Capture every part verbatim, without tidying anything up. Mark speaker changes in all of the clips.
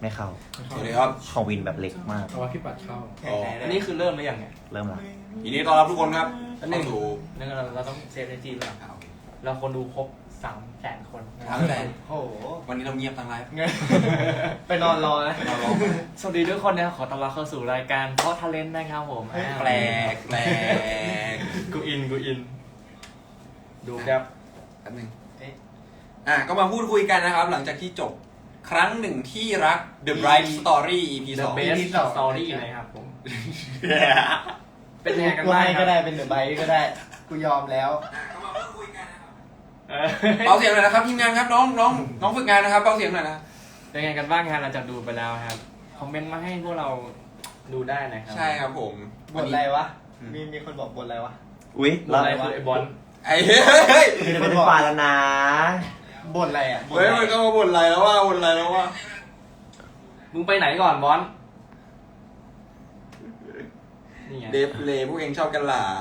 Speaker 1: ไม่เข้า
Speaker 2: สวัสดีครับ
Speaker 1: ของวินแบบเล็กมาก
Speaker 3: เอาว่าพี่ปัดเข้า
Speaker 2: อ๋อ
Speaker 4: อันนี้คือเริ่มหรือยังเนี่ย
Speaker 1: เริ่มละ
Speaker 2: ยินดีต้อนรับทุกคนครับ
Speaker 4: อันหนึ่ง
Speaker 2: เข้าสู่
Speaker 4: นึงเราเราต้องเซฟในจีนแล้วเราคนดูครบสามแสนคน
Speaker 3: สามแสน
Speaker 4: โอ้โห
Speaker 2: วันนี้เราเงียบทั้งไลฟ์
Speaker 4: ไปนอนรอนะ
Speaker 2: เราลอง
Speaker 4: สวัสดีทุกคนนะครับขอต้อนรับเข้าสู่รายการเพราะทาเลนต์นะครับผม
Speaker 2: แปลกแปลก
Speaker 4: กูอินกูอิน ดูครับ
Speaker 2: แป๊บนึงอ่ะก็มาพูดคุยกันนะครับ หลังจากที่จบครั้งหนึ่งที่รัก The Bright Story อี พี
Speaker 4: เด
Speaker 2: ส
Speaker 4: อะ
Speaker 2: อง
Speaker 4: เบสสตอรี่นะครับผม เป็นยังไงกัน
Speaker 3: กู
Speaker 4: บ้าง
Speaker 3: ให้
Speaker 4: ค
Speaker 3: ก็
Speaker 4: รับ
Speaker 3: ได้เป็นเดอะไบค์ก็ได้ กูยอมแล้ว
Speaker 2: อ่ะก็มาพูดคุยกันนะครับ
Speaker 4: เออ
Speaker 2: เบาเสียงหน่อยนะครับทีมงานครับน้องน้องน้องฝึกงานนะครับเบาเสียงหน่อยนะ
Speaker 4: เป็นยังไงกันบ้างครับหลังจากดูไปแล้วครับคอมเมนต์มาให้พวกเราดูได้นะครั
Speaker 2: ใช่ครับผม
Speaker 3: บทอะไรวะ มีมีคนบอกบทอะไรวะ
Speaker 1: อุ้ย
Speaker 4: อะไรคือไอ้บอล
Speaker 2: ไอ้เฮ้ย
Speaker 1: ไม่ได้เป็นฟาแล้วนะ
Speaker 3: บทอะไรอ่ะบท
Speaker 2: เฮ้ย
Speaker 3: อะไร
Speaker 2: มันก็มาบ่นอะไรแล้วว่าบ่นอะไรแล้วว่า
Speaker 4: มึงไปไหนก่อนบอลนี่ไง
Speaker 2: เดฟเลพวกเองชอบกันหรอ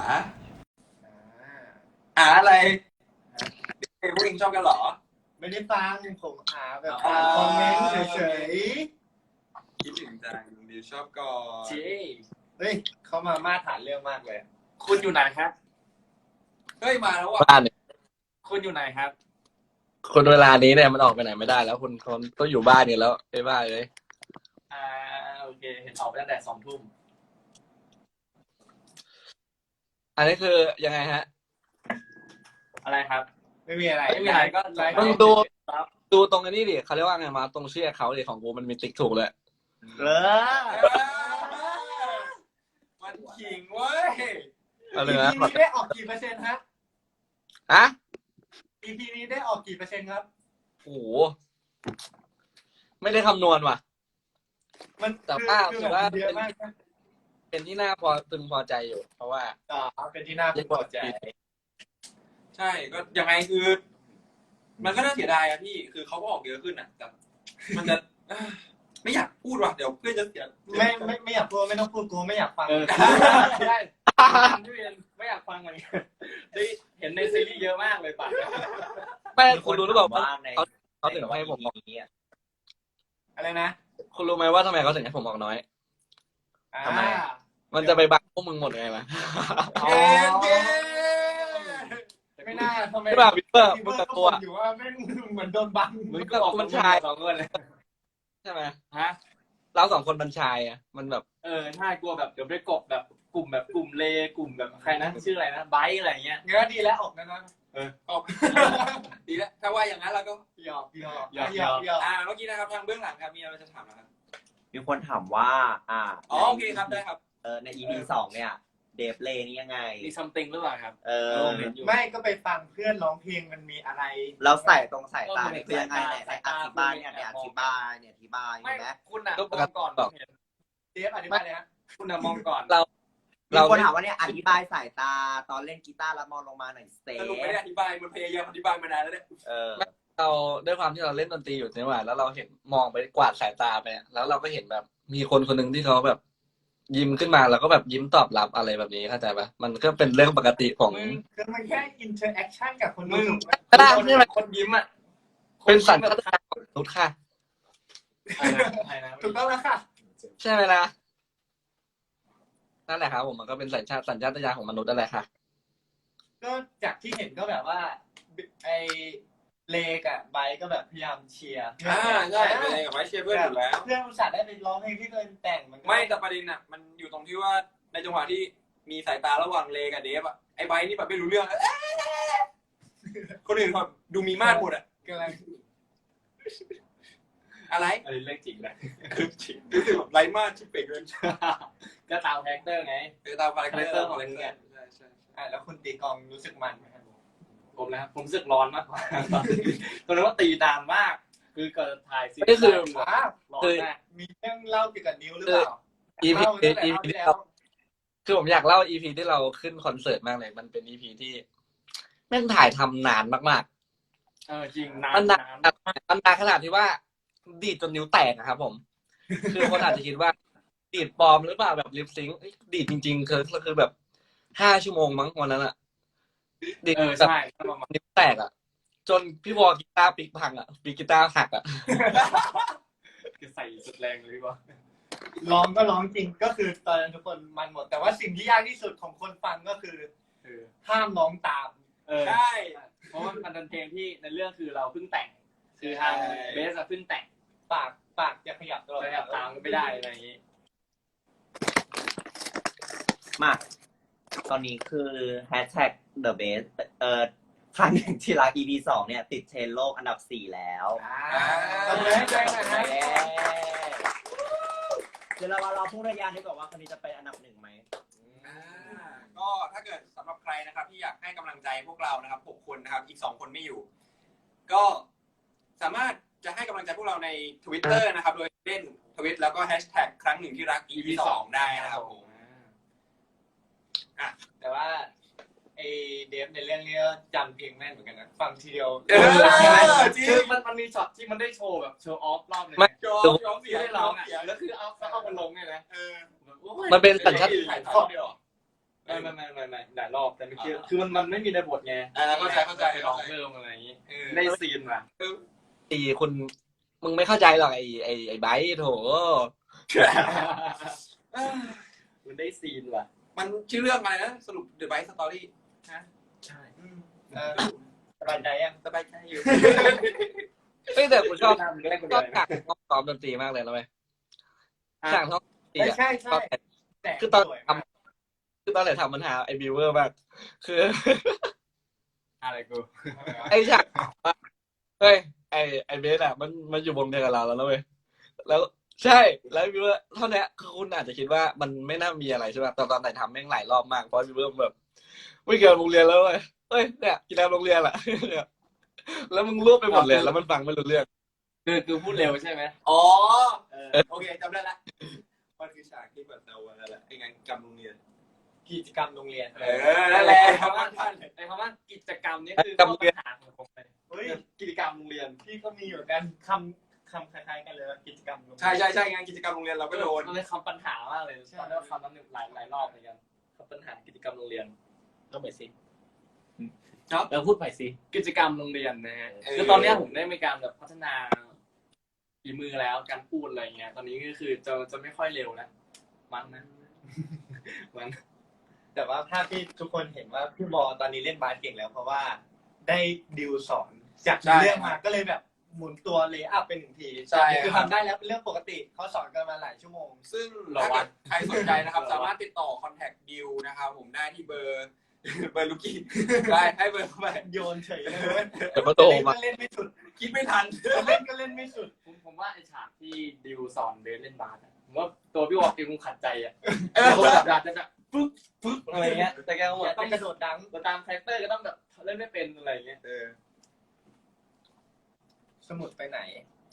Speaker 2: อ่าอะไรเดฟเลพวกเองชอบกันหรอ
Speaker 3: ไม่ได้ฟังผมหาแบบ
Speaker 2: อ๋อ
Speaker 3: อ่านคอมเมนต์เฉย
Speaker 2: คิดถึงจังดิวชอบก่อน
Speaker 4: เจ๊
Speaker 3: ๆ เฮ้ย เขามามาตรฐานเรื่องมากเลย
Speaker 4: คุณอยู่ไหนครับ
Speaker 2: เฮ้ยมาแล้วว่ะ
Speaker 5: บ้านเนี่ย
Speaker 4: คุณอยู่ไหนครับ
Speaker 5: คนเวลานี้เนี่ยมันออกไปไหนไม่ได้แล้วคุณคนต้องอยู่บ้านเนี่ยแล้วไอ้บ้าเลย
Speaker 4: อ่าโอเคเห็นออกไปตั้งแต่สองทุ่ม
Speaker 5: อันนี้คือยังไงฮะ
Speaker 4: อะไรครับ
Speaker 3: ไม่มีอะไร
Speaker 4: ไม่มีอะไรก็ไลฟ์
Speaker 5: ต้องดู ดูตรงอันนี้ดิเขาเรียกว่าไงมาตรงชื่อเขาดิของกูมันมีติ๊กถูกเลย
Speaker 1: เออ
Speaker 2: มันขิงเว้ย
Speaker 5: เอาเลย
Speaker 3: อี
Speaker 5: นะ
Speaker 3: พีนี้ได้ออกกี่เปอร์เซ็นต์ฮะ
Speaker 5: อะ
Speaker 3: อีพีนี้ได้ออกกี่เปอร์เซ็นต์ครับ
Speaker 5: โอ้โหไม่ได้คำนวณว่ะ
Speaker 3: มัน
Speaker 5: แต่ว่า
Speaker 3: คือ
Speaker 5: แต่ว่า
Speaker 3: แบบเยอะมากนะ
Speaker 5: เป็นที่น่าพอตึงพอใจอยู่ เพราะว่า
Speaker 3: อ๋อเป็นที่น่าพึงพอใจ
Speaker 2: ใช่ก็ยังไงคือ มันก็น่าเสียดายอะพี่คือเขาก็ออกเยอะขึ้นอะแต่มันจะเอ้อไม่อยากพูดว่ะเดี๋ยวเพื่อนจะเสีย
Speaker 3: ไม่ไม่ไม่อยากพูดไม่ต้องพูดกูไม่อยากฟัง
Speaker 4: เออได้พี่เรียนไม่อยากฟังเหมือนกันได้เห็นในซีรีส์เยอะมากเลยป่ะ
Speaker 5: ไม่คุณรู้หรือเปล่า
Speaker 1: ว่าใน
Speaker 5: เขาเขาถึงให้ผมออก
Speaker 1: นี้
Speaker 3: อะไรนะ
Speaker 5: คุณรู้ไหมว่าทำไมเขาถึงให้ผมออกน้อย
Speaker 3: อ่า
Speaker 1: ทำไม
Speaker 5: มันจะไปบังพวกมึงหมดไงวะ
Speaker 3: อ๋อ
Speaker 2: เย้เย้
Speaker 3: ไม่น่าทำไม
Speaker 5: ใช่ป่ะวิปเปอร์
Speaker 3: พี่
Speaker 5: มึ
Speaker 3: เบิ
Speaker 5: ง
Speaker 3: ร์ด
Speaker 5: กับ
Speaker 3: ก็
Speaker 5: ตัว
Speaker 3: บ่นอยู่ว่าไม่งเหมือนโดนบัง
Speaker 4: มึงก็ออก
Speaker 5: มันชาย
Speaker 4: สองคนเลย
Speaker 5: ใช่ไหม
Speaker 4: ฮะ
Speaker 5: เราสองคนบัญชายอ่ะมันแบบ
Speaker 4: เออใช่กลัวแบบเดี๋ยวไปกบแบบกลุ่มแบบกลุ่มเลกลุ่มแบบใครนะชื่ออะไรนะไบร์ทอะไรเงี้ย
Speaker 3: งั้นก็ดีแล้วออกนะนะ
Speaker 2: ออกดีแล้วถ้าว่าอย่างนั้นเราก็
Speaker 3: หยอกหยอก
Speaker 4: หยอก
Speaker 3: หยอกหยอก
Speaker 2: อ่าเมื่อกี้นะครับทางเบื้องหลังครับมีอะไรจะถามนะครับ
Speaker 1: มีคนถามว่า อ่า
Speaker 2: อ๋อโอเคครับได้ครับ
Speaker 1: เออใน อี พี สองเนี่ย เดฟเลนี่ยังไง
Speaker 4: มีซัมติงหรือเปล่าครับ
Speaker 1: เออ
Speaker 4: เห็นอยู่
Speaker 3: ไม่ก็ไปฟังเพื่อนร้องเพลงมันมีอะไร
Speaker 1: เราใส่ตรงสายตาเนี่ย
Speaker 4: เออ
Speaker 1: คือยังไงเนี่ย
Speaker 4: สาย
Speaker 1: อ
Speaker 4: ตา
Speaker 1: ธิบายเนี่ยเนี่ยอธิบายเนี่ยอธิบาย
Speaker 4: ไม่
Speaker 1: ใช่ไหม
Speaker 4: คุณอ่ะ
Speaker 5: ก็
Speaker 4: ม
Speaker 5: ป
Speaker 4: อก ง
Speaker 5: ติ
Speaker 4: ก่อน
Speaker 5: บอก
Speaker 4: เห็น
Speaker 3: เดฟอธิบายเลยฮะ
Speaker 4: คุณอ่ะมองก่อน
Speaker 5: เรา
Speaker 1: มีคนถามว่าเนี่ยอธิบายสายตาตอนเล่นกีตาร์แล้วมองลงมาหน่อยเซ
Speaker 2: สรุปไม่ได้อธิบายมันพยายามอธิบายมานานแล้วเนี่ย
Speaker 1: เออ
Speaker 5: เราด้วยความที่เราเล่นดนตรีอยู่ใช่ไหมแล้วเราเห็นมองไปกวาดสายตาไปอะแล้วเราก็เห็นแบบ มีคนคนหนึ่งที่เขาแบบ ยิ้มขึ้นมาแล้วก็แบบยิ้มตอบรับอะไรแบบนี้เข้าใจปะมันก็เป็นเรื่องปกติของ
Speaker 3: มึงคือมันแค่อินเทอร์แอคชั่นกับคน
Speaker 4: มึ
Speaker 3: ดู
Speaker 4: ง
Speaker 3: ถูกไหม
Speaker 5: ก็ได้
Speaker 4: คน
Speaker 5: ใช่ไหม
Speaker 4: คนยิ้มอ่ะ
Speaker 5: เป็นสัญชาตญาณของมนุษย์ค่ะ
Speaker 4: อะไรนะอะไรนะ
Speaker 3: ถูกต้องแล้วค่ะ
Speaker 5: ใช่ไหมล่ะนั่นแหละครับผมมันก็เป็นสัญชาติสัญชาตญาณของมนุษย์นั่นแหละค่ะ
Speaker 3: ก็จากที่เห็นก็แบบว่าไอเลกับไบร์ทก็แบบพยายามเชียร์
Speaker 2: อ่าใช่เป็นอะไรกับไว้เชียร์เพื่อนอยู่แล้ว
Speaker 3: เพื่อนอุตส่าห์ได้ไปร้องเพลงที่ตัวเองแต่งมันก็
Speaker 2: ไม่แต่ประเด็นอ่ะมันอยู่ตรงที่ว่าในจังหวะที่มีสายตาระหว่างเลกับเดฟอ่ะไอ้ไบร์ทนี่แบบไม่รู้เรื่องอะคนอื่นแบบดูมีมาดหมดอ่ะ
Speaker 3: กำลัง
Speaker 2: อะไร
Speaker 4: อันนี้เรื่องจริงนะ
Speaker 2: รู้สึกแบบไร้มาดชิบเป่งเลย
Speaker 4: ก็ตามแฟกเตอร์ไง
Speaker 2: เออตามคาแรคเตอร์
Speaker 4: คาแรคเตอร์
Speaker 2: ข
Speaker 4: ข
Speaker 2: อ
Speaker 4: อง ง
Speaker 2: เล่น
Speaker 4: มึง
Speaker 2: เนี่
Speaker 4: เนี่ย ย
Speaker 2: ใช่ใช่
Speaker 3: อ่าแล้วคุณตีกลองรู้สึกมันไหมครับ
Speaker 4: ผมนะครับผมรู้สึกร้อนมากกว่าตอนนั้นว่าตีนานมาก คือเกิดถ่ายซีรีส์
Speaker 5: นี่คือ
Speaker 3: อ้าว
Speaker 4: ร้อนมาก
Speaker 3: มีเรื่องเล่าเกี่ยวกับนิ้วหรือเปล่า
Speaker 5: อีพี
Speaker 3: เล่าตั้งแต่
Speaker 5: อี
Speaker 3: รอบ
Speaker 5: พี
Speaker 3: ที่
Speaker 5: ที่
Speaker 3: แล้ว
Speaker 5: เราคือผมอยากเล่าอีพีที่เราขึ้นคอนเสิร์ตมากเลย มันเป็นอีพีที่แม่งถ่ายทำนานมาก
Speaker 4: เออจริงนา
Speaker 5: ๆ มัน นนาน
Speaker 4: นาน
Speaker 5: มันนานขนาดที่ว่า ดีดจนนิ้วแตกนะครับผม คือคนอาจจะคิดว่า ดีดปลอมหรือเปล่าแบบลิปซิงค์เอ้ยดีดจริงๆคือคือแบบห้าชั่วโมงมั้งวันนั้นอะดีด
Speaker 4: เออ
Speaker 5: แบบ
Speaker 4: ใช่ประมาณ
Speaker 5: นิ้วแตกอะจนพี่วอลกีตาร์ปิกพังอะปิกกีตาร์หักอะ
Speaker 4: คือใส่สุดแรงเลยดีกว่า
Speaker 3: ร้องก็ร้องจริงก็คือตอนนั้นทุกคนมันหมด แต่ว่าสิ่งที่ยากที่สุดของคนฟังก็คือ
Speaker 4: เออ
Speaker 3: ห้ามร้องตาม
Speaker 4: เออ
Speaker 2: ใช่
Speaker 4: เพราะว่ามันเป็นเพลงที่ในเรื่องคือเราเพิ่งแต่ง คือทางเบสอะเพิ่งแต่ง
Speaker 3: ปากปากจะขยับตลอด
Speaker 4: เลยแบบตามไม่ได้อะไรอย่างนี้
Speaker 1: มาตอนนี้คือ hashtag the best เอ่อครั้งหนึ่งที่รัก อี พี สองเนี่ยติดเทรนด์โลกอันดับสี่แล้ว
Speaker 3: อ่าตบมือให้ด้วยนะฮะ
Speaker 1: เดี๋ยวเรามาเราพูดระยะนี้ก่อนว่าคนนี้จะเป็นอันดับหนึ่งไหม
Speaker 2: อ่าก็ถ้าเกิดสำหรับใครนะครับที่อยากให้กำลังใจพวกเรานะครับหกคนนะครับอีกสองคนไม่อยู่ ก็สามารถจะให้กำลังใจพวกเราใน Twitter นะครับโดยเล่นทวิตแล้วก็แฮชแท็กครั้งหนึ่งที่รัก อี พี สองได้นะครับผม
Speaker 3: แต่ว่าไอเดฟในเรื่องนี้ก็จำเพลงแม่นเหมือนกันนะฟังทีเดียว
Speaker 2: เออจริง
Speaker 4: คือมันมันมีช็อตที่มันได้โชว์แบบโชว์ออฟรอบหนึง
Speaker 5: ไม่
Speaker 2: ยอมยอมเสี
Speaker 4: ที่
Speaker 2: ย
Speaker 4: ได้ร้องอ่ะแล้วคือเอาเอามันลงไงนะ
Speaker 2: เออ
Speaker 4: แบบโอ้ย
Speaker 5: มันเป็นสัญชาต
Speaker 2: ถ่ายทอดด้วยเหรอ
Speaker 4: ไม่ไม่ไม่ไม่ไม่หลายรอบแต่ไม่คือคือมันมันไม่มีในบทไง
Speaker 2: อ่าเข้าใจเข้าใจ
Speaker 4: ไปร้องเพิ่มอะไรอย่างนี้
Speaker 2: เออ
Speaker 4: ในซีนว่ะ
Speaker 5: ตีคุณ มึงไม่เข้าใจหรอกไอ้ไอ้ไอ้ไบร์ทโถ
Speaker 4: มันได้ซีนว่ะ
Speaker 2: มันชื่อเรื่องอะไรนะสรุป The Bite Story
Speaker 4: ใช่
Speaker 3: เออสบายใจยัง
Speaker 2: สบายใจอยู่
Speaker 5: เฮ้ยแต่กูชอบ
Speaker 4: ทำแรกคน
Speaker 5: ช
Speaker 4: เดี
Speaker 5: อ
Speaker 4: ยว
Speaker 5: บฉากห้องซ้อมดนตรีมากเลยนะเว้ยฉากห้องดนตรี
Speaker 3: ไม่
Speaker 5: อะ
Speaker 3: ใช่ใช่แต่
Speaker 5: คือตอน
Speaker 3: สวย
Speaker 5: ท
Speaker 3: มาก
Speaker 5: ำคือตอนไหนทำปัญหาไอ้บิวเวอร์มากคือ
Speaker 4: อะไรกู
Speaker 5: ไอ้ฉากว่าเฮ้ยไอ้ไอ้เบสอะมันมันอยู่วงเดียวกับเราแล้วนะเว้ยแล้วใช่แล้วบิวเวอร์เท่านี้คือคุณอาจจะคิดว่ามันไม่น่ามีอะไรใช่ป่ะแต่ตอนไหนทำแม่งหลายรอบมากเพราะบิวเวอร์แบบไม่เกี่ยวกับโรงเรียนแล้วเว้ยเฮ้ยเนี่ยกีฬาโรงเรียนแหละ เนี่ยแล้วมึงรวบไปหมดเลยแล้วมันฟังไม่รู้เรื่อง
Speaker 4: คือคือพูดเร็วใช่ไหม
Speaker 2: อ๋อ
Speaker 4: เออ
Speaker 2: โอเคจำได้ละมันคือฉากที่แบบเราวันนั่นแหละไอ้งานกรรมโรงเรียน
Speaker 3: กิจกรรมโรงเรียน
Speaker 2: เออนั่นแหละ
Speaker 4: ไอ้คำว่าไอ้คำว่ากิจกรรมนี่คือข้อปัญหาของผมเลย
Speaker 3: เฮ้ย
Speaker 4: กิจกรรมโรงเรียน
Speaker 3: พี่ก็มีอยู่กันคำคำคล้ายๆกันเลยว่ากิจกรรมโรงเรียน
Speaker 2: ใช่ใช่ใช่งานกิจกรรมโรงเรียนเราก็โดน
Speaker 4: มันเป็นคำปัญหามากเลยตอนนี้คำนั้นหลายหลายรอบเหมือนกันคำปัญหากิจกรรมโรงเรียนก็ไปสิ
Speaker 2: ครับ
Speaker 4: เราพูดใหม่สิกิจกรรมโรงเรียนนะฮะ
Speaker 2: เออ
Speaker 4: คือตอนเนี้ยผมได้มีการแบบพัฒนาฝีมือแล้วการพูดอะไรเงี้ย ตอนนี้ก็คือจะจะไม่ค่อยเร็วแล้วมันนะมัน
Speaker 3: แต่ว่าภาพที่ทุกคนเห็นว่าพี่บอตอนนี้เล่นบาสเก่งแล้ว เพราะว่าได้ดิวสอนจากเรื่องมาก็เลยแบบหมุนตัวเลย์อัพเป็นหนึ่งที
Speaker 2: ใช่
Speaker 3: คือทำได้แล้วเป็นเรื่องปกติเขาสอนกันมาหลายชั่วโมง
Speaker 2: ซึ่งถ้าเกิดใครสนใจนะครับ สามารถติดต่อคอนแทคดิวนะครับผมได้ที่เบอร์ เบอร์ลูกี้ได้ให้เบอร์เข้าไป
Speaker 3: โยนเฉยเลยเว้ย
Speaker 5: เดี๋ยวมาโต
Speaker 3: เล่น
Speaker 5: มา
Speaker 3: ก็เล่นไม่สุด
Speaker 2: คิดไม่ทัน
Speaker 3: เล่นก็เล่นไม่สุด
Speaker 4: ผมผมว่าไอฉากที่ดิวสอนเบสเล่นบาสอะผมว่าตัวพี่วอลเองคงขัดใจอ่ะ
Speaker 2: เออ
Speaker 4: คนแบบอยากจะแบบปึ๊บปึ๊บอะไรเงี้ยแต่แกก็
Speaker 3: อ
Speaker 4: แบ
Speaker 3: ยา
Speaker 4: บ
Speaker 3: ก
Speaker 4: ต้
Speaker 3: ต้
Speaker 4: อ
Speaker 3: อง งกระโดดดัง
Speaker 4: ตามคาแรคเตอร์ก็ต้องแบบเล่นไม่เป็นอะไรเงี้ย
Speaker 2: เออ
Speaker 3: สมุดไปไหน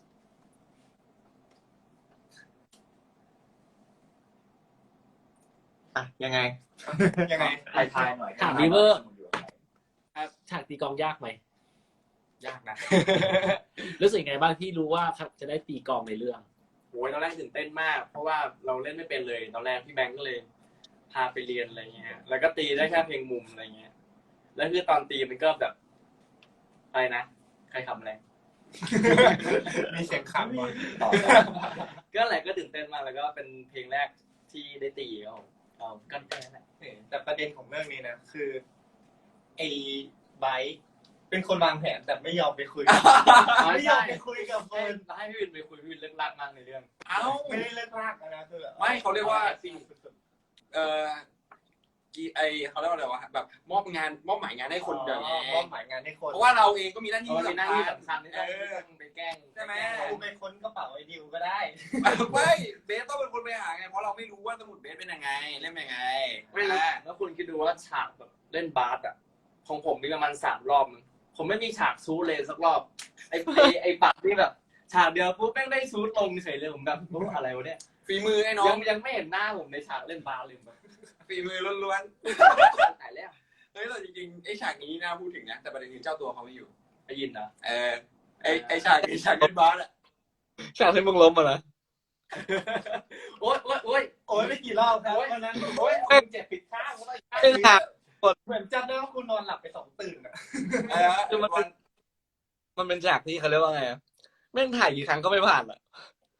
Speaker 1: อ่ะยังไง
Speaker 3: ยังไง
Speaker 1: ทายทายหน่อย
Speaker 6: ถามวีเวอร์ ฉากตีกลองยากไหม
Speaker 4: ยากนะ
Speaker 6: รู้สึกยังไงบ้างที่รู้ว่าจะได้ตีกลองในเรื่อง
Speaker 4: โอ้ยตอนแรกตื่นเต้นมาก เพราะว่าเราเล่นไม่เป็นเลย ตอนแรกพี่แบงก์ก็เลย พาไปเรียนอะไรเงี้ย แล้วก็ตีได้แค่เพลงมุมอะไรเงี้ย แล้วคือตอนตีมันก็แบบอะไรนะ ใครทำอะไร
Speaker 3: มีเสียงขำก่อน
Speaker 4: ก็อะไรก็ตื่นเต้นมาก แล้วก็เป็นเพลงแรกที่ได้ตีครับผมเราก็แค่นั้นแหละ
Speaker 3: แต่ประเด็นของเรื่องนี้นะคือไอ้ไบร์ทเป็นคนวางแผนแต่ไม่ยอมไปคุย ไม่ยอมไปคุยกับค
Speaker 4: ให้
Speaker 3: น
Speaker 4: ให้พี่วินไปคุยพี่วินเลิกลากมากในเรื่อง
Speaker 2: เอ้า
Speaker 3: ไม่ได้เลิกลากนะคือแบบ
Speaker 2: ไม่เขาเรียกว่า
Speaker 3: ซี
Speaker 2: เออกีไอเขาเรียกว่าอะไรวะแบบมอบงานมอบหมายงานให้คนเดียว
Speaker 3: มอบหมายงานให้คน
Speaker 2: เพราะว่าเราเองก็มีหน้าที่
Speaker 4: เพราะว่ามีหน้าที่
Speaker 2: สำคัญ
Speaker 4: สำคัญที่ต้อง
Speaker 2: เออ
Speaker 4: ไปแกล้ง
Speaker 2: ใช่ไหม
Speaker 3: กูไปค้นกระเป๋าไอ้ดิวก็ได้
Speaker 2: ไม่เบสต้องเป็นคนไปหาไงเพราะเราไม่รู้ว่าสมุดเบสเป็นยังไงเล่นเป็นยังไง
Speaker 4: ไม่รู้แล้วคุณคิดดูว่าฉากแบบเล่นบาสอ่ะของผมมีประมาณสามรอบมั้งผมไม่มีฉากซูทเลยสักรอบ ไอ้ไอ้ไอ้ปัดนี่แบบ ฉากเดียวปุ๊บแม่งได้ซูทลงเฉยเลยผมแบบรู้อะไรวะเนี่ย
Speaker 2: ฝีมือไอ้น้อ
Speaker 4: ยัง งยังไม่เห็นหน้าผมในฉากเล่นบาสเลยแบบ
Speaker 2: ฝีมือล้วน
Speaker 4: ตายแล้ว
Speaker 2: ๆเฮ้ยแต่จริงๆไอ้ฉากนี้น่าพูดถึงนะแต่ประเด็นคือเจ้าตัวเขาไม่อยู่
Speaker 4: ได้ยินนะ
Speaker 2: เออไอ้ไอ้ฉากไอ้ฉากเล่นบาสอะ
Speaker 5: ฉากที่มึงล้มมานะ
Speaker 4: โอ๊ยโอ๊ยโอ๊ย
Speaker 3: โอ้ยไม่กี่รอบครับวันนั้น
Speaker 4: โอ๊ยคุณเจ็บปิดข้างแล้ว
Speaker 5: ไอ้ฉาก
Speaker 3: เหมือนจำได้ว่าคุณนอนหลับไปสองตื่นอะ
Speaker 2: เออ
Speaker 5: คือมันเป็นมันเป็นฉากที่เขาเรียกว่าไงอะแม่งถ่ายกี่ครั้งก็ไม่ผ่านอ่ะ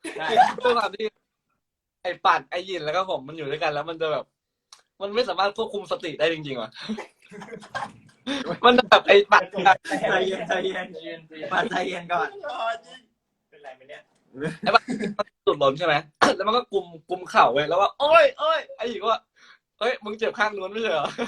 Speaker 4: ใช่
Speaker 5: ด้วยความที่ไอ้ปัดไอ้ยินแล้วก็ผมมันอยู่ด้วยกันแล้วมันจะแบบ มันไม่สามารถควบคุมสติได้จริงๆว่ะ มันแบบไอ้ปัด
Speaker 1: ใจเย็นใจเย็น
Speaker 4: เย็นๆ
Speaker 1: ปัดใจเย็นก่อน
Speaker 3: เป็นไรไหมเนี่ย
Speaker 5: สุดหล่นใช่ไหม แล้วมันก็กุมกุมเข่าไว้แล้วว่าโอ้ยโอ้ยไอ้หญิงว่าเฮ้ยมึงเจ็บข้างนู้นไม่ใช่เหรอ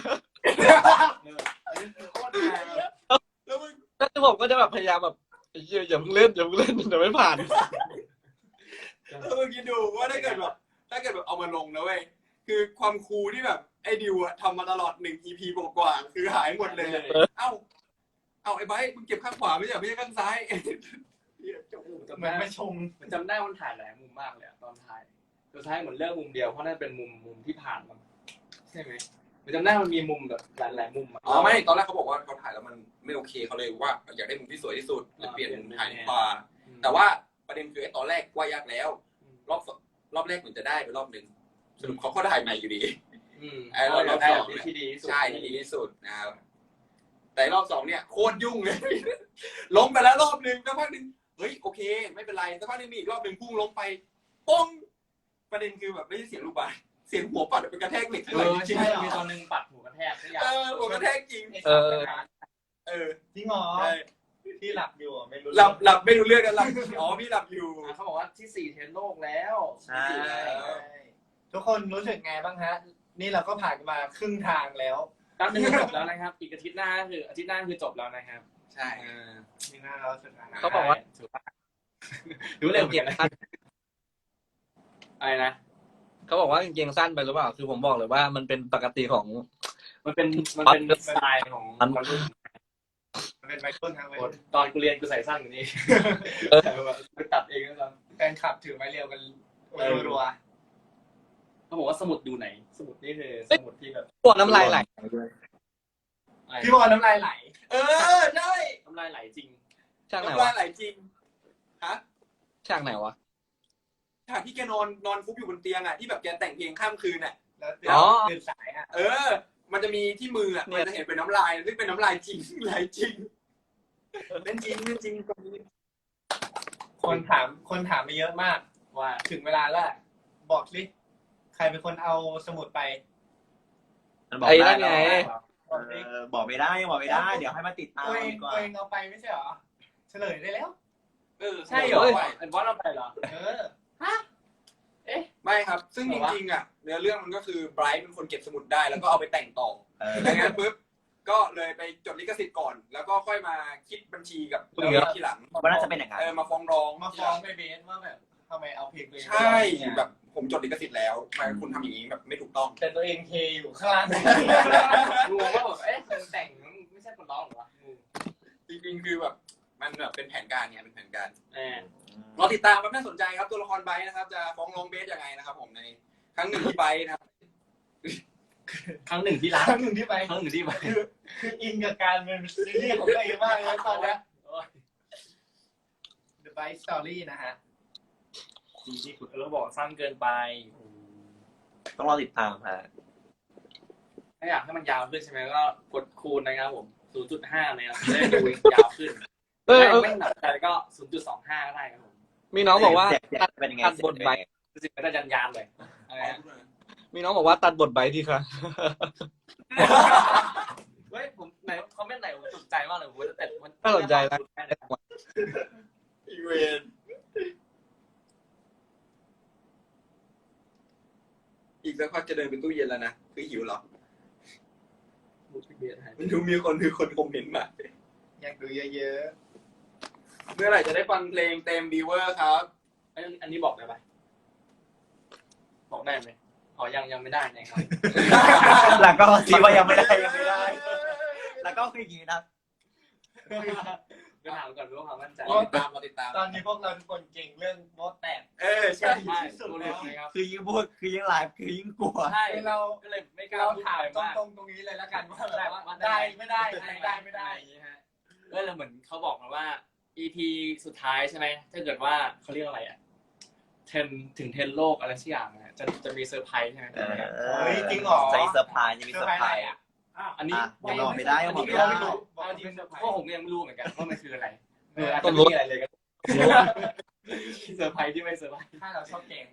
Speaker 4: โคตรแรง
Speaker 2: แล้วมึง
Speaker 5: แล้วผมก็จะแบบพยายามแบบไอ้เหี้ยอย่าเพิ่งเล่นอย่าเพิ่งเล่นเดี๋ยวไม่ผ่าน
Speaker 2: แล้วมึงคิดดูว่าถ้าเกิดแบบถ้าเกิดแบบเอามาลงนะเว้ยคือความคูลที่แบบไอ้ดิวอะทำมาตลอดหนึ่ง อี พี กว่าๆคือหายหมดเลย เอ้า เอ้าไอ้ไบร์ทมึงเก็บข้างขวาไม่ใช่เหรอไม่ใช่ข้างซ้ายเหี้ยจบ
Speaker 4: จำ
Speaker 3: เหมือน
Speaker 4: ได้
Speaker 3: ไม่ชม
Speaker 4: มันจำได้มันถ่ายหลายมุมมากเลยอะตอนถ่ายสุดท้ายเหมือนเลือกมุมเดียวเพราะนั่นเป็นมุมมุมที่ผ่านมาใช่ไหมมันจำได้มันมีมุมแบบหลายหลายๆมุมอะ
Speaker 2: อ๋อไม่ตอนแรกเขาบอกว่าเขาถ่ายแล้วมันไม่โอเคเขาเลยว่าอยากได้มุมที่สวยที่สุดเลยเปลี่ยนมุมถ่ายขวาแต่ว่าประเด็นคือไอ้ตอนแรกว่ายากแล้ว รอบสองรอบแรกเหมือนจะได้ไปรอบหนึ่งสรุปเขาก็ถ่ายใหม่อยู่ดี
Speaker 4: อืม
Speaker 2: ไอ้รอบ
Speaker 4: เราได้
Speaker 2: ส
Speaker 4: แบ
Speaker 2: อง
Speaker 4: บที่ดีที่สุด
Speaker 2: ใช่ที่ดีที่สุดนะครับแต่รอบสองเนี่ยโคตรยุ่งเลย ล้มไปแล้วรอบหนึ่งสักพักหนึ่งเฮ้ยโอเค ไม่เป็นไรสักพักหนึ่งมีอีกรอบหนึ่งพุ่งล้มไปป้องประเด็นคือแบบไม่ใช่เสียงลูกบาศก์เสียงหัวปัดเป็นกระแทกเหล็ก
Speaker 4: เอ
Speaker 2: เลย
Speaker 4: อ
Speaker 2: จริง
Speaker 4: ใช่มีตอนหนึงปัดหัวกระแทกไม่อยาก
Speaker 2: เออหัวกระแทกจริง
Speaker 5: เออ
Speaker 2: เออ
Speaker 3: จริงเหรอ
Speaker 2: ใช่
Speaker 3: ที่หลับอยู่อะไม่รู้
Speaker 2: หลับหลับไม่รู้เรื่องกันหลับอ๋อพี่หลับอยู่
Speaker 4: อ่ะเขาบอกว่าที่สี่เทรนด์โลกแล้ว
Speaker 1: ใช่
Speaker 3: ใช่ทุกคนรู้สึกไงบ้างฮะ นี่เราก็ผ่านมาครึ่งทางแล้ว
Speaker 4: แป๊บนึงก็จบแล้วนะครับ อีกอาทิตย์หน้าคืออาทิตย์หน้าคือจบแล้วนะครับ
Speaker 2: ใช่
Speaker 4: เออ
Speaker 3: มีหน้าเราสุดท้าย
Speaker 5: เขาบอกว่า
Speaker 4: ถือว่ารู้เร็วเหมือนกันนะอะไรนะ
Speaker 5: เขาบอกว่ากางเกงสั้นไปหรือเปล่า คือผมบอกเลยว่ามันเป็นปกติของ
Speaker 4: มันเป็นมันเป็นสไตล์ของวัยรุ่น
Speaker 3: มันเป็นไมเคิลทางเว้ย
Speaker 4: ตอนกูเรียนกูใส่สั้นกว่านี้
Speaker 5: เออ
Speaker 4: กูตัดเองนะตอน
Speaker 3: แฟนคลับถือไม้เรียวกันรัว
Speaker 4: เขาบอกว่าสมุดดูไหน สมุดนี่คือสมุดที่แบบ
Speaker 5: ปวดน้ำลายไหล
Speaker 3: ๆพี่บอลน้ำลายไหล
Speaker 2: เออใช่
Speaker 4: น้ำลายไหลจริง
Speaker 5: ช่างไหน
Speaker 2: น้ำลา
Speaker 5: ะ
Speaker 2: ยวไหลจริงฮะ
Speaker 5: ช่างไหนวะ
Speaker 2: ฉากที่แกนอนนอนฟุบอยู่บนเตียงอ่ะที่แบบแกแต่งเพลงข้ามคืนอ่ะ
Speaker 3: แล้ว
Speaker 5: อ๋อ
Speaker 3: ตื่นสายอ่ะ
Speaker 2: เออ มันจะมีที่มืออ่ะ
Speaker 5: เนี่
Speaker 2: มัน
Speaker 5: ย
Speaker 2: จะเห็นเป็นน้ำลายซึ่งเป็นน้ำลายจริง ไหลจริงเป็นจริงเป็นจริงตรงนี้
Speaker 3: คนถามคนถามมาเยอะมาก
Speaker 4: ว่า
Speaker 3: ถึงเวลาแล้วบอกสิใครเป็นคนเอาสมุดไป
Speaker 1: มันบอก
Speaker 5: ไอ้
Speaker 1: ได้
Speaker 5: นั่นไง
Speaker 3: บอกสิ
Speaker 1: เออบอกไม่ได้บอกไม่ได้ เดี๋ยวให้มาติดตาม
Speaker 3: ตัวเอง
Speaker 1: ดีกว่า
Speaker 3: ตัวเองเอาไปไม่ใช่เหรอเฉลยได้แล้ว
Speaker 2: เออ
Speaker 4: ใช่เหรอ
Speaker 2: เฮ้ย
Speaker 4: ไอ้บอสเราไปเหรอ
Speaker 3: เออ
Speaker 2: ไม่ครับ ซึ่ง
Speaker 4: เหร
Speaker 2: จ
Speaker 4: อวะ
Speaker 2: ริงๆอ่ะเนื้อเรื่องมันก็คือไบรท์เป็นคนเก็บสมุดได้แล้วก็เอาไปแต่งต่อ
Speaker 1: เออ
Speaker 2: ดังนั้นปุ๊บก็เลยไปจดลิขสิทธิ์ก่อน แล้วก็ค่อยมาคิดบัญชีกับ
Speaker 5: เออ
Speaker 2: ทีหลัง
Speaker 1: ว่าน่าจะเป็นอย่างนั้น
Speaker 2: เออมาฟ้องร้อง
Speaker 3: มาฟ้องไปเบสว่าแบบทำไมเอาเพลงตัวเองไป
Speaker 2: ใช่
Speaker 3: ร้องเนี่ย
Speaker 2: แบบผมจดลิขสิทธิ์แล้วทำไมคุณทำอย่างนี้แบบไม่ถูกต้อง
Speaker 3: แต่ตัวเองเทอยู่ข้างล่าง
Speaker 4: งงว่าแบบเอ๊ะมันแต่งไม่ใช่คนร้องเหรอวะงง
Speaker 2: จริงๆคือแบบมันแบบเป็นแผนการไงเป็นแผนการ
Speaker 4: แหม
Speaker 2: รอติดตามครับน่าสนใจครับตัวละครไบร์ทนะครับ จะฟ้องร้องเบสยังไงนะครับ ผมในครั้งหนึ่งที่ไบร์ทนะครับ
Speaker 4: ครั้งหนึ่งที่รัก
Speaker 3: ครั้งหนึ่งที่ไป
Speaker 4: ครั้งหนึ่งที่ไป
Speaker 3: คือคืออินกับการเป็นซีรีส์ของตัวเองมากเลยตอนเนี้ย The Bite Story นะฮะ
Speaker 4: ดีที่คุณเออบอกสั้นเกินไป
Speaker 1: ต้องรอติดตามฮะ
Speaker 4: ถ้าอยากให้มันยาวขึ้นใช่ไหมก็กดคูณนะครับผม ศูนย์จุดห้า นะครับจะได้ดูยาวขึ้น
Speaker 5: เออ
Speaker 4: ไม่
Speaker 5: เออ
Speaker 4: ไม่หนักใจก็ ศูนย์จุดสองห้า ก็ได้ครับผม
Speaker 5: มีน้องบอกว่า
Speaker 1: เสียงเสียงเป็นยังไง
Speaker 5: ตัดบทใบ
Speaker 4: รู้สึกไม่ได้ยันยานเลยอะไรนะ
Speaker 5: มีน้องบอกว่าตัดบทใบทีค่ะ
Speaker 4: เฮ้ยผมไหนคอมเมนต์ไหนผมสนใจมากเลยผมจะแต่มัน
Speaker 5: น่าสนใจนะ
Speaker 2: อีเวนอีกสักพักจะเดินไปตู้เย็นแล้วนะคือหิวเหรอมันดูมีคนคือคนคอมเมนต์มา
Speaker 3: อยากดูเยอะ
Speaker 2: เมื่อไหร่จะได้ฟังเพลงเต็มบีเวอร์ครับ
Speaker 4: อันอันนี้บอกได้ปะบอกได้ไหมอ๋อยังยังไม่ได้นะครับ
Speaker 1: แล้วก็ซีว่ายังไม่ได้ยังไม่ได้ แล้วก็คืออย่างนี้นะ
Speaker 4: ก็ถามก่อนรู้ความมั่นใจ
Speaker 2: รอติดตามรอติดตาม
Speaker 3: ๆ ตอนนี้พวกเราทุกคนเก่งเรื่องโมดแตก
Speaker 2: เออใช่
Speaker 4: ใช่
Speaker 3: ที่สุด
Speaker 4: รู้
Speaker 3: แล้
Speaker 4: เล
Speaker 3: ว
Speaker 4: ยครับ
Speaker 1: คือยิ่งพูดคือยิ่งไลฟ์คือยิ่งกลัว
Speaker 4: ใช่
Speaker 3: เรา
Speaker 4: ก็เลยไม่กล้า
Speaker 3: เรา
Speaker 4: พูด
Speaker 3: ถาม
Speaker 4: อะไร
Speaker 3: ต
Speaker 4: มาก
Speaker 3: รงๆตรงนี้เลยแล้วกันว่า
Speaker 4: ได้
Speaker 3: แบบ
Speaker 4: ว่า
Speaker 3: ได้ไม่ได้ได้ไม่ได้
Speaker 4: อย่างนี้ฮะก็เลยเหมือนเขาบอกมาว่า อี พี สุดท้ายใช่ไหมถ้าเกิดว่าเขาเรียกอะไรอ่ะเทนถึงเทนโลกอะไรสักอย่างนะจะจะมีเซอร์ไพรส์ใช่ไหม
Speaker 1: เออ
Speaker 3: เฮ้ยจริงเหรอ
Speaker 1: ใจเซอร์ไพรส์จะมี
Speaker 3: เซอ
Speaker 1: เซอ
Speaker 3: ร์ไพร
Speaker 1: ร์
Speaker 3: ส์
Speaker 1: ไพ
Speaker 3: อะ
Speaker 1: ร
Speaker 3: ไร
Speaker 1: ส์
Speaker 3: อ่ะ
Speaker 4: อันนี้
Speaker 1: อ่ะยังบอกไม่ได้ยังบอกไม่ได้
Speaker 4: เอาจริงๆพวกผมยังไม่รู้เหมือนกันว่ามันคืออะไรเอออาจ
Speaker 5: ต้
Speaker 4: จะ
Speaker 5: น
Speaker 4: ไม่
Speaker 5: รถ
Speaker 4: มีอะไรเลยก็เซอร์ไพรส์ที่ไม่เซอร์ไพรส์
Speaker 3: ถ้าเราชอบแกง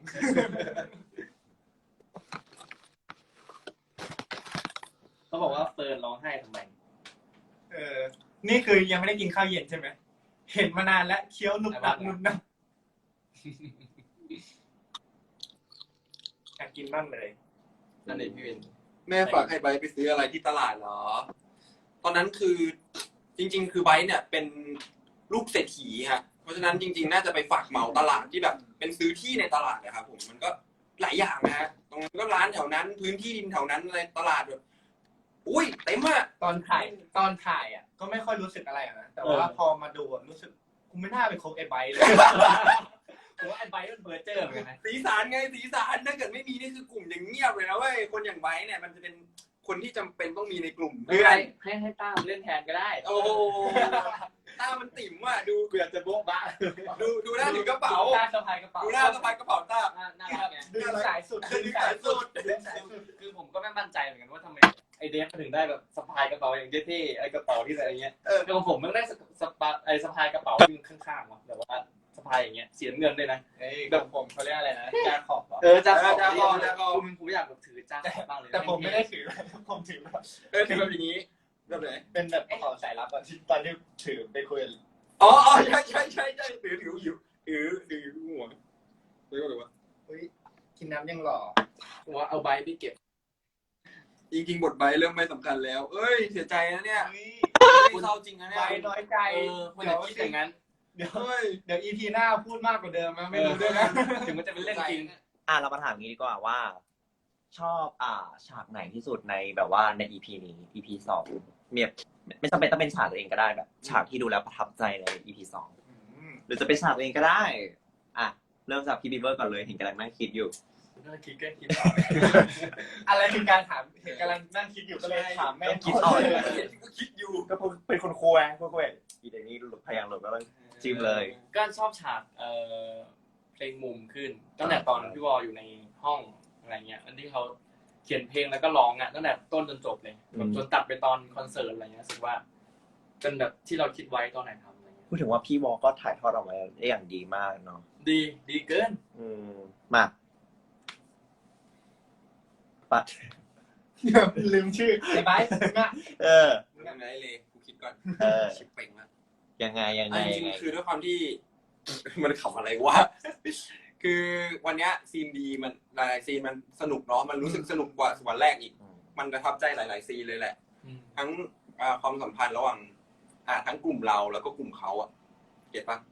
Speaker 4: เขาบอกว่าเฟิร์นร้องไห้ทำไม
Speaker 3: เออ นี่คือยังไม่ได้กินข้าวเย็นใช่ไหม เห็นมานานแล้วเคี้ยวหนุบหนับหนุบหนับอยากกินบ้างเลย
Speaker 4: นั่นเองพี่วิน
Speaker 2: แม่ฝากให้ไบร์ทไปซื้ออะไรที่ตลาดเหรอ ตอนนั้นคือจริง ๆ คือไบร์ทเนี่ยเป็นลูกเศรษฐีฮะ เพราะฉะนั้นจริง ๆ น่าจะไปฝากเหมาตลาดที่แบบ เป็นซื้อที่ในตลาดนะครับผมมันก็หลายอย่างนะฮะตรงนั้นก็ร้านแถวนั้น พื้นที่ดินแถวนั้นอะไรตลาดแบบอุ้ยเต็มอะ
Speaker 3: ตอนถ่ายตอนถ่ายอ่ะ ก็ไม่ค่อยรู้สึกอะไรอะนะแต่ว่า
Speaker 4: เออ
Speaker 3: พอมาดูอะรู้สึกกูไม่น่าไปคบไอ้ไบร์ทเลย
Speaker 4: ผมว่าไอ้ไบร์ทมันเบอร์เจอร์เหมือนกันนะ
Speaker 2: สีสารไงสีสารถ้าเกิดไม่มีนี่คือกลุ่มอย่างเงียบเลยนะเว้ยคนอย่างไบร์ทเนี่ยมันจะเป็นคนที่จำเป็นต้องมีในกลุ่ม
Speaker 4: ไม่
Speaker 2: เพื่
Speaker 4: เป็
Speaker 2: อน น
Speaker 4: ไรให้ให้ต้ามเล่นแทนก็ได้
Speaker 2: โอ้โหตามันติ่มว่ะดู
Speaker 4: เกือบจะโบ๊ะบ้า
Speaker 2: ดูดูหน้าถือกระเป๋า
Speaker 4: ดูหน้าสะพายกระเป๋า
Speaker 2: ดูหน้าสะพายกระเป๋าตา
Speaker 4: หน้าหน้ารักไง
Speaker 3: ดึงสายสุด
Speaker 2: ดึงสายสุด
Speaker 3: ดึงสายสุด
Speaker 4: คือผมก็ไม่มั่นใจเหมือนกันว่าทำไมไอเดฟมันถึงได้แบบสะพายกระเป๋าอย่างเท่ๆไอกระเป๋าที่อะไรเงี้ย
Speaker 2: เออ
Speaker 4: แต่ของผมมันได้สะสะพายไอสะพายกระเป๋าที่ข้างๆว่ะแบบว่าสะพายอย่างเงี้ยเสียเงินด้วยนะ
Speaker 3: เอ้ยแบบผมเขาเรียกอะไรนะจาขอบเหรอ
Speaker 4: เออจ้าขอบ
Speaker 2: จ้าขอบจ้าขอบ
Speaker 4: ผมผมอยากแบบถือจ้าขอบบ้างเลย
Speaker 3: แต่ผมไม่ได้ถือ ผมถือแบบ
Speaker 2: เออคือแบบอย่างนี้แบบไหน
Speaker 3: เป็นแบบกระเป๋าสายลับอะที่ตอนที่ถือไปคุย
Speaker 2: อ๋ออ๋อใช่ใช่ใช่ใช่ถือถืออยู่ถือถือหัวเรียกว่าอะไรวะ
Speaker 3: เฮ้ยกินน้ำยังหล่อ
Speaker 4: ผมว่าเอาใบไปเก็บ
Speaker 2: จริงๆบทใบเริ่มไม่สำคัญแล้ว เอ้ยเสียใจนะเนี่ย
Speaker 3: เฮ้ย
Speaker 2: เศร้าจริงนะเนี่ย
Speaker 3: ไบร์ทน้อยใจ
Speaker 4: เออควรจะคิดอย่างนั้น
Speaker 3: เดี๋ยว
Speaker 2: เฮ้ย
Speaker 3: เดี๋ยวอีพีหน้าพูดมากกว่าเดิมนะไม่รู้ด้วยนะ
Speaker 4: ถึงมันจะเป็นเรื่องจริง
Speaker 1: อ่ะเรามาถามงี้ดีกว่าว่า ชอบอ่าฉากไหนที่สุดในแบบว่าใน อี พี นี้ อี พี สองเมียไม่จำเป็นต้องเป็นฉากตัวเองก็ได้แบบ ฉากที่ดูแล้วประทับใจใน อี พี สองหรือจะเป็นฉากตัวเองก็ได้ อ่ะเริ่มจากพี่บีเบอร์ก่อนเลยเห็นกำลังนั่งคิดอยู่
Speaker 4: น่าคิดก็คิด
Speaker 3: อะไรคือการถามเห็นกำลังนั่งคิดอยู่ก็เลยถามแม่
Speaker 1: คิดต่อเลย
Speaker 2: ก็คิดอยู่
Speaker 1: ก็เป็นคนคุยคนคุยอีเดนี่หลุดพยางหลุดก็ต้องจิ้มเลย
Speaker 4: ก็ชอบฉากเอ่อเพลงมุมขึ้นตั้งแต่ตอนพี่วอลอยู่ในห้องอะไรเงี้ยอันที่เขาเขียนเพลงแล้วก็ร้องอ่ะตั้งแต่ต้นจนจบเลยแบบจนตัดไปตอนคอนเสิร์ตอะไรเงี้ยรู้สึกว่าเป็นแบบที่เราคิดไว้ตอนไหนทำอะไรเงี้ย
Speaker 1: พูดถึงว่าพี่วอลก็ถ่ายทอดออกมาได้อย่างดีมากเนาะ
Speaker 4: ดีดีเกิน
Speaker 1: อืมมาปัด
Speaker 3: ลืมชื่อไอ้ไบร์ทมึงอะ
Speaker 1: เออ
Speaker 2: ยังไงเลยกูคิดก่อน
Speaker 1: เออ
Speaker 2: ชิปเป่งละ
Speaker 1: ยังไงยังไง
Speaker 2: อันจ
Speaker 1: ยั
Speaker 2: ริ
Speaker 1: ง
Speaker 2: ง
Speaker 1: ไง
Speaker 2: ๆคือด้วยความที่ มันขำอะไรวะ คือวันเนี้ยซีนดีมันหลายๆซีนมันสนุกเนาะมันรู้สึกสนุกกว่าวันแรกอีก มันประทับใจหลาย ๆ ซีนเลยแหละ ทั้งอ่าความสัมพันธ์ระหว่าง อ่า ทั้งกลุ่มเราแล้วก็กลุ่มเขาอะเก็ตปะ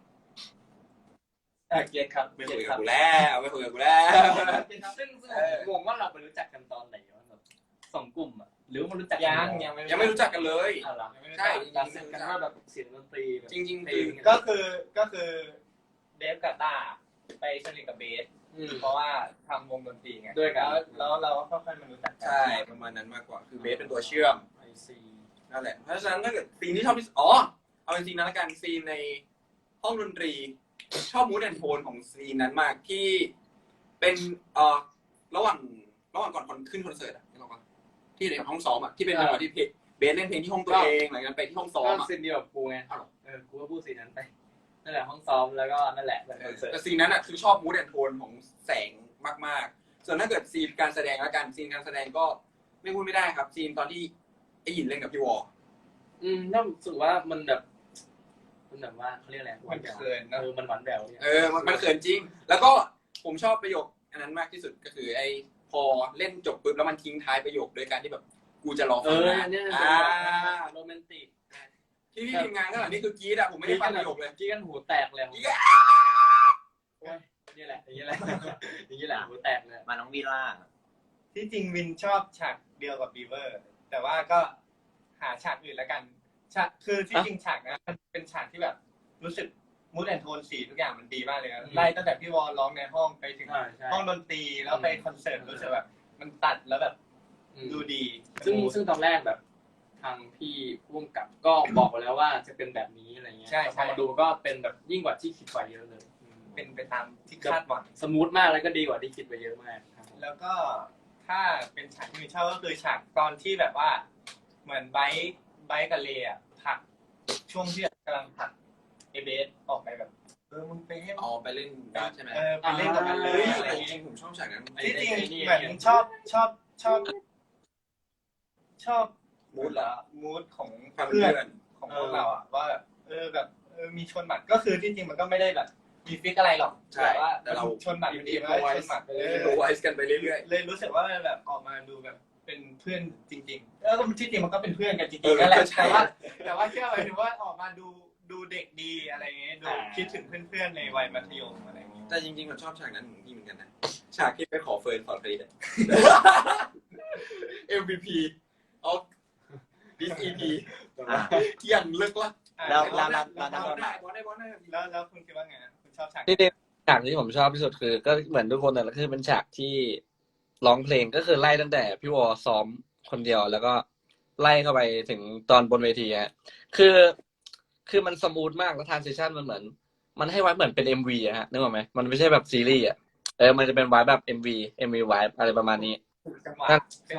Speaker 4: เออเกียรติครับ
Speaker 2: ไม่
Speaker 4: เกี
Speaker 2: คุ
Speaker 4: ย
Speaker 2: ย
Speaker 4: รติ
Speaker 2: กับ
Speaker 4: ครับ
Speaker 2: กูแล้วไม่คุยกับกูแล้ว
Speaker 4: ซึ่งซึ่งผมงงว่าเราไปรู้จักกันตอนไหนวะแบบสองกลุ่มอ่ะหรือว่ามันรู้จัก
Speaker 3: ยัง
Speaker 4: น
Speaker 3: ยังไม่
Speaker 2: ยังไม่รู้จักกันเลย
Speaker 4: อ้าวเหรอ
Speaker 2: ใช่
Speaker 4: ตัดสินกันว่าแบบเสียงดนตรีแบบ
Speaker 2: จริงๆ
Speaker 4: เพล
Speaker 2: คือ
Speaker 4: ง
Speaker 3: ก็คือก็คือเดฟกับต้าไปสนิทกับเบส
Speaker 4: อืม
Speaker 3: เพราะว่าทำวงดนตรีไง
Speaker 4: ด้วยกัน
Speaker 3: แล้วแล้วเราก็ค่อยๆมารู้จักกั
Speaker 2: ใช่ประมาณนั้นมากกว่า คือเบสเป็นตัวเชื่อม
Speaker 4: ไอซี
Speaker 2: นั่นแหละ เพราะฉะนั้นถ้าเกิดซีนที่ชอบที่สุดอ๋อ เอาจริงๆนะละกันซีนในห้องดนตรี ชอบมูดแอนโทนของซีนนั้นมากที่เป็นเอ่อระหว่างระหว่างก่อนคอนขึ้นคอนเสิร์ตอะนึกออกปะที่ในห้องซ้อมอะที่เป็นจังหวะที่เพลงเบสเล่นเพลงที่ห้องตัวเองหลังจากนั้นไปที่ห้องซ้อ
Speaker 4: ก็
Speaker 2: มอะ
Speaker 4: ซีนเดียวกับกูไง
Speaker 2: อ้าวเหรอ
Speaker 4: เออกูก็พูดซีนนั้นไปนั่นแหละห้องซ้อมแล้วก็นั่นแหละแบบคอนเสิร์ต
Speaker 2: แต่ซีนนั้นอะคือชอบมูดแอนโทนของแสงมากๆ ส่วนถ้าเกิดซีนการแสดงแล้วกันซีนการแสดงก็ไม่พูดไม่ได้ครับซีนตอนที่ไอ้หยินเล่นกับพี่วอ
Speaker 4: อืมน่ารู้สึกว่ามันแบบมันแบบว่าเขาเรียกอะไรหวา
Speaker 3: มัน น
Speaker 4: แหวว
Speaker 3: เขินนะ
Speaker 4: เออมันหวานแหววเนี่ย
Speaker 2: เออมันมันเขินจริง แล้วก็ผมชอบประโยคอันนั้นมากที่สุดก็คือไอ้พอเล่นจบปุ๊บแล้วมันทิ้งท้ายประโยคโดยการที่แบบกูจะรอ
Speaker 4: เอ
Speaker 2: ฟัง
Speaker 4: อ
Speaker 2: นะ
Speaker 4: เนี่ย
Speaker 2: อ่า
Speaker 4: โรแมนติก
Speaker 2: ที่พี่ทีมงานข้างหลังนี่คือกรี๊ดอะผมไม่ได้ฟังประโยคเลย
Speaker 4: กี้กันหูแตกเลย
Speaker 2: กรี๊ดอะ
Speaker 4: โอ้ยนี่แหละอย่างนี้แหละอย่างนี้แหละหูแตกเลย
Speaker 1: มาน้องวีล่า
Speaker 3: ที่จริงวินชอบฉากเดียวกับบีเวอร์ แต่ว่าก็หาฉากอื่นแล้วกันฉากคือที่จริงฉากนะมันเป็นฉากที่แบบรู้สึกมูดแอนโทนสีทุกอย่างมันดีมากเลยนะไล่ตั้งแต่พี่วอลร้องในห้องไปถึง
Speaker 4: ใช่ใช่
Speaker 3: ห้องดนตรีแล้วไปคอนเสิร์ตรู้สึกแบบมันตัดแล้วแบบ
Speaker 4: อืม
Speaker 3: ดูดี
Speaker 4: ซึ่งซึ่งตอนแรกแบบทางพี่พุ่มกับก็บอกไว้แล้วว่าจะเป็นแบบนี้อะไรเงี้ย
Speaker 3: ใช่
Speaker 4: พอ
Speaker 3: ใช่
Speaker 4: มาดูก็เป็นแบบยิ่งกว่าที่คิดไว้เยอะเลยอืม
Speaker 3: เป็นไปตามที่คาดหวัง
Speaker 4: สมูทมากแล้วก็ดีกว่าที่คิดไว้เยอะมากครับผม
Speaker 3: แล้วก็ถ้าเป็นฉากที่วินชอบก็คือฉากตอนที่แบบว่า เหมือนไบค์ไบค์กับเลอะผลักช่วงที่กำลังผลักเอเบสออกไปแบบอมึงไปให้
Speaker 2: อ๋อไปเล่นการ์ดใช่ไหม
Speaker 3: เออไปเล่นกับมันเล
Speaker 2: เฮ้
Speaker 3: ย
Speaker 2: ย
Speaker 3: อะไร
Speaker 2: แต่
Speaker 3: อย่าง
Speaker 2: จริ
Speaker 3: เงี้ย
Speaker 2: งๆผมชอบฉากนั้น
Speaker 3: ที่จริง
Speaker 4: ไอ้นี่
Speaker 3: เหมือนชอบชอบชอบชอบ
Speaker 2: มูดเหรอ
Speaker 3: มูดของ
Speaker 2: ความ
Speaker 3: เพื่
Speaker 2: เพื่
Speaker 3: อ
Speaker 2: อน น
Speaker 3: ของพวกเราอ่ะว่าแบบเออแบบเออมีชนหมัดก็คือที่จริงมันก็ไม่ได้แบบมีฟิกอะไรหรอก
Speaker 2: ใช่
Speaker 3: แต่ว่า
Speaker 2: แต่เรา
Speaker 3: ชนหมัดมันดีมากชนหมัดเออ
Speaker 2: โรไวส์กันไปเรื่อย
Speaker 3: เลยรู้สึกว่ามันแบบออกมาดูแบบเป็นเพื่อนจริงๆแล้วก็ที่จริงมันก็เป็นเพื่อนกันจ
Speaker 2: เอ
Speaker 3: ริง
Speaker 2: อ
Speaker 3: ๆนั่นแหละ
Speaker 2: ก็ใช่
Speaker 3: แต่ว่าแต่ว่าแค่หมายถึงว่าออกมาดูดูเด็กดีอะไรเงี้ยดู
Speaker 4: อ่า
Speaker 3: คิดถึงเพื่อนๆในวัยมัธยมอะไรเงี้ย
Speaker 2: ๆแต่จริงๆผมชอบฉากนั้นของพี่เหมือนกันนะฉากที่ไปขอเฟิร์นขอคลีน เอ็ม วี พี of this อี พี
Speaker 1: อ่ะ
Speaker 2: อย่างลึกลัก
Speaker 1: แล้ว
Speaker 2: บ
Speaker 1: แล้
Speaker 2: อ
Speaker 1: ว
Speaker 2: ล
Speaker 1: แล้ว
Speaker 2: ได้
Speaker 1: แล้ว
Speaker 2: บอลได้บอลได้บอลได้
Speaker 3: แล้วแล้วคุณคิดว่าไงคุณชอบฉาก
Speaker 5: ที่จริงฉากที่ผมชอบที่สุดคือ ก็เหมือนทุกคนนั่นแหละคือเป็นฉากที่ร้องเพลงก็คือไล่ตั้งแต่พี่วอซ้อมคนเดียวแล้วก็ไล่เข้าไปถึงตอนบนเวทีฮะคือคือมันสมูทมากแล้วทรานซิชันมันเหมือน มันให้ไว้เหมือนเป็น เอ็ม วี อะฮะนึกออกไหมมันไม่ใช่แบบซีรีส์อะเออมันจะเป็นไว้แบบ เอ็ม วี เอ็ม วี ไว้อะไรประมาณนี้
Speaker 3: จังหวะ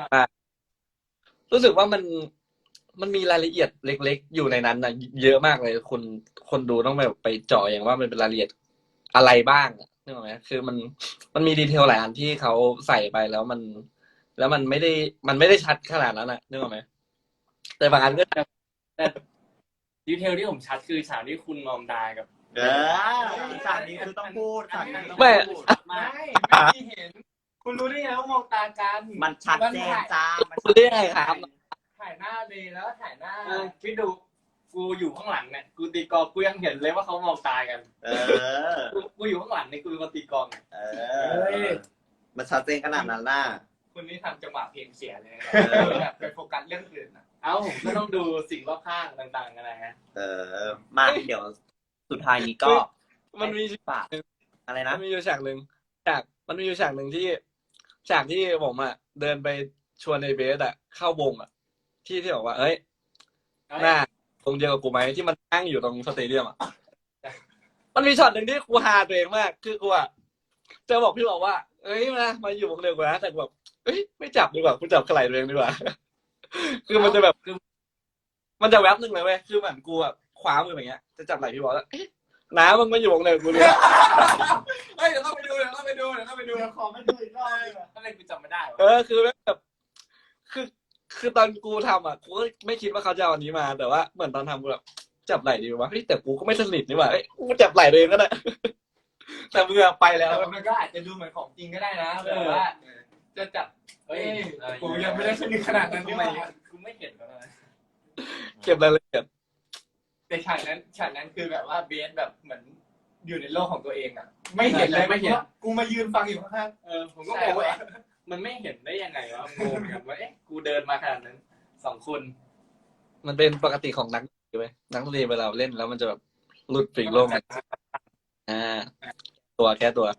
Speaker 5: รู้สึกว่ามันมันมีรายละเอียดเล็กๆ อยู่ในนั้นนะเยอะมากเลยคนคนดูต้องแบบไปเจาะอย่างว่ามันเป็นรายละเอียดอะไรบ้างอะนึกออกไหมคือมันมันมีดีเทลหลายอันที่เขาใส่ไปแล้วมัน แล้วมันไม่ได้มันไม่ได้ชัดขนาดนั้นนะนึกออกไหมแต่บางอันก็
Speaker 4: ดีเทลที่ผมชัดคือฉากที่คุณมอมดากับ
Speaker 1: เออฉากนี้คือต้องพูดฉากนี้ต้อง
Speaker 5: ไม่
Speaker 1: พูด
Speaker 3: ไม่ไม่มีเห็น คุณรู้ได้ไงว่ามองตากัน
Speaker 1: มันชัดเจนจ้ามัน
Speaker 5: พูดได้ไงครับ
Speaker 3: ถ่ายหน้าเลยแล้วถ่ายหน้า
Speaker 4: เออคิดดูกูอยู่ข้างหลังเนี่ยกูตีกลองกูยังเห็นเลยว่าเขามองตากัน
Speaker 1: เออ
Speaker 4: กูกูอยู่ข้างหลังเนี่ยกูเป็นคนตีกลอง
Speaker 1: เออ มันชัดเจนขนาดนั้นน่ะ
Speaker 3: คุณนี่ทำจังหวะเพลงเสียเลย
Speaker 1: เออ
Speaker 3: แบบไปโฟกัสเรื่องอื่นนะ
Speaker 4: เอ้าผมก็ต้องดูสิ่งรอบข้างต่างๆกันนะฮะ
Speaker 1: เออ มาเดี๋ยวสุดท้ายนี้ก็
Speaker 5: มันมี
Speaker 1: ฝากอะไร
Speaker 5: มั
Speaker 1: นะ
Speaker 5: นมีอยู่ฉากหนึ่งฉากมันมีอยู่ฉากหนึ่งที่ฉากที่ผมอ่ะเดินไปชวนในเบสอ่ะเข้าวงอ่ะ ที่ที่บอกว่า เอ้ย หน้าตรงเดียวกับกูไหมที่มันนั่งอยู่ตรงสเตเดียมอ่ะ มันมีช็อตหนึ่งที่กูฮาตัวเองมาก คือกูอ่ะจะบอกพี่บอกว่า เอ้ยมามาอยู่วงเดียวกันนะแต่กูแบบเอ้ยไม่จับดีกว่ากูจับกระไหล่ตัวเองดีกว่า คือมันจะแบบคือมันจะแวบหนึ่งเลยเว้ยคือเหมือนกูอ่ะคว้ามืออย่างเงี้ยจะจับไหล่พี่บอกแล้วเอ๊ะน้ามึงมาอยู่วงเดียวกับกูเลย
Speaker 2: เฮ้ยเดี๋ยวต้องไปดูเดี๋ยวต้องไปดูเดี๋ยวต้องไปดู
Speaker 3: เดี๋ยวขอมาดูอีกรอบดีกว่า
Speaker 4: ทำไมกูจำไม่ได้วะ
Speaker 5: เออคือแบบคือคือตอนกูทำอ่ะกูก็ไม่คิดว่าเขาจะเอาอันนี้มา แต่ว่าเหมือนตอนทำกูแบบจับไหล่ดีวะเฮ้ยแต่กูก็ไม่สนิทนี่หว่าเอ้ยกูจับไหล่ตัวเองก็ได้ แต่มือไปแล้ว
Speaker 3: แต่มันก็อาจจะดูเหมือนของจริงก็ได้นะแบบว่าจะจับ
Speaker 4: เฮ้ย
Speaker 3: เอ้ยกูยังไม่ได้สนิทขนาดนั้น
Speaker 4: ทำ
Speaker 3: นี่
Speaker 4: ไม
Speaker 3: หว่า
Speaker 4: กูไม่เห็นแล้วนะ
Speaker 5: เก็บรายละเอียด
Speaker 3: แต่ฉากนั้นฉากนั้นคือแบบว่าเบสแบบเหมือนอยู่ในโลกของตัวเองอ่ะ ไม่เห็นเลยไม่เห็นกูมายืนฟังอยู่ข้าง
Speaker 4: เออผมก็งงว่าเอ๊ะมันไม่เห็นได้ยังไงวะงงเหมือนกันว่าเอ๊ะกูเดินมาขนาดนั้นสองคน
Speaker 5: มันเป็นปกติของนักดนตรีเว้ยนักดนตรีเวลาเล่นแล้วมันจะแบบหลุดปลีกโลกมาอ่า ตัวแค่ตัว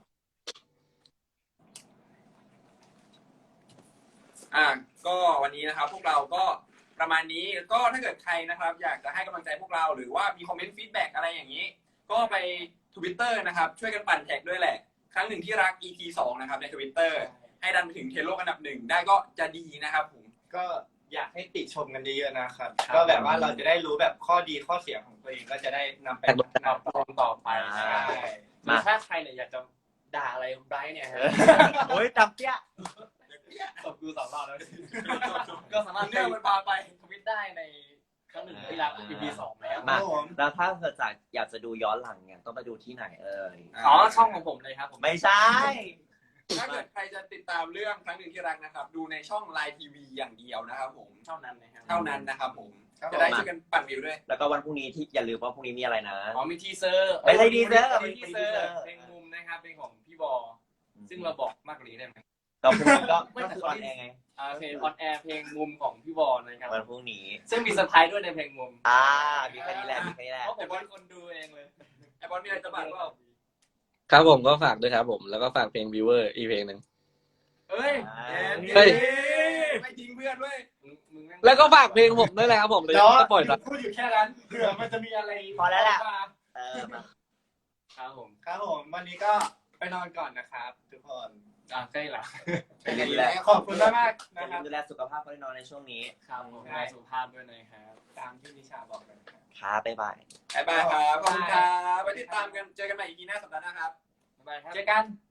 Speaker 2: อ่ะก็วันนี้นะครับ พวกเราก็ประมาณนี้ก็ถ้าเกิดใครนะครับ อยากจะให้กำลังใจพวกเราหรือว่ามีคอมเมนต์ฟีดแบ็กอะไรอย่างนี้ ก็ไป Twitter นะครับ ช่วยกันปั่นแท็กด้วยแหละ ครั้งหนึ่งที่รัก อี พี สองนะครับใน Twitter ให้ดันไปถึงเทรนด์โลกอันดับหนึ่งได้ก็จะดีนะครับผม
Speaker 3: ๆก็อยากให้ติชมกันเยอะๆนะครับ ก็แบบว่าเราจะได้รู้แบบข้อดีข้อเสียของตัวเองก็จะได้นำไปพัฒนา
Speaker 4: ตอนต่อไป
Speaker 1: อ่า
Speaker 4: ใช่
Speaker 1: มา
Speaker 4: ถ้าใครเนี่ยอยากจะด่าอะไรไบรท์เนี่ยฮะ
Speaker 1: โอ้ยจำเปี้ย
Speaker 4: ตบกูสองรอบแล้ว ก็สามารถ
Speaker 2: เนื่องมันพาไป
Speaker 4: ทวิตได้ในครั้งหนึ่งที่รัก อี พี สองแล้ว
Speaker 1: มา แล้วถ้าเกิดจากอยากจะดูย้อนหลังเนี่ยต้องไปดูที่ไหนเอ่ย
Speaker 4: อ๋อช่องของผมเลยครับผม
Speaker 1: ไม่ใช่
Speaker 2: ถ้าเกิดใครจะติดตามเรื่องครั้งหนึ่งที่รักนะครับ ดูในช่อง ไลน์ ที วี อย่างเดียวนะครับผม
Speaker 4: เท่านั้นนะครับ
Speaker 2: เท่านั้นนะครับผม
Speaker 3: ครับผม
Speaker 2: จะได้ช่วยกันปั่นวิวด้วย
Speaker 1: แล้วก็วันพรุ่งนี้ที่อย่าลืมว่าพรุ่งนี้มีอะไรนะ
Speaker 4: อ๋อมีทีเซอร์
Speaker 1: ไม่ใช่ทีเซอร์
Speaker 4: มีทีเซอร์
Speaker 1: ไม่ใช่ทีเซอร์
Speaker 4: เพลงมุมนะครับเพลงของพี่บอ ซึ่งเราบอกมากกว่านี้ได้ไหม
Speaker 1: ก็พรุ่งนี้ก็ก็คือออนแอร์ไง
Speaker 4: อ่าเพลงออนแอร์เพลงมุมของพี่บอนะครับ
Speaker 1: วันพรุ่งนี้
Speaker 4: ซึ่งมีเซอร์ไพรส์ด้วยในเพลงมุม
Speaker 1: อ่า มีแค่นี้แหละ มีแค่นี้แหละ
Speaker 4: เพราะผมเป็นคนดูเองเลย
Speaker 2: ไอบอลมีอะไรจะบอกว่า
Speaker 5: ครับผมก็ฝากด้วยครับผมแล้วก็ฝากเพลง Viewer อีกเพลงหนึ่ง
Speaker 4: เอ้ย
Speaker 5: เฮ้ย
Speaker 2: ไม่ทิ้งเพื่อนด้วย
Speaker 4: มึงมึงม่ง
Speaker 5: แล้วก็ฝากเพลงผมด้วยนะครับผมเลย
Speaker 3: เดี๋ยว
Speaker 5: ก็ปล่อยตัด
Speaker 3: พูดอยู่แค่นั้นเผื่อมันจะมีอะไร
Speaker 1: พอแล้วแหละ
Speaker 3: มา
Speaker 1: เออมา
Speaker 4: ครับผม
Speaker 3: ครับผมวันนี้ก็ไปนอนก่อนนะครับทุกคน
Speaker 4: อ่าใกล้ละ
Speaker 1: ดูแล
Speaker 3: ขอบคุณมากมากๆ
Speaker 1: อย่า
Speaker 3: นะค
Speaker 1: ลื
Speaker 3: รับ
Speaker 1: มดูแลสุขภาพเขาด้วยเนอนในช่วงนี้
Speaker 4: ครับผมดูแลสุขภาพด้วยนะครับ
Speaker 3: ตามที่นิชาบอกเลยครับ
Speaker 1: ครับบ๊ายบาย
Speaker 2: บ๊ายบายครับขอบคุณครับไว้ติดตามกันเจอกันใหม่ อี พี หน้าสัปดาห์หน้าครับ
Speaker 4: บ๊ายบายครับ
Speaker 3: เจอกัน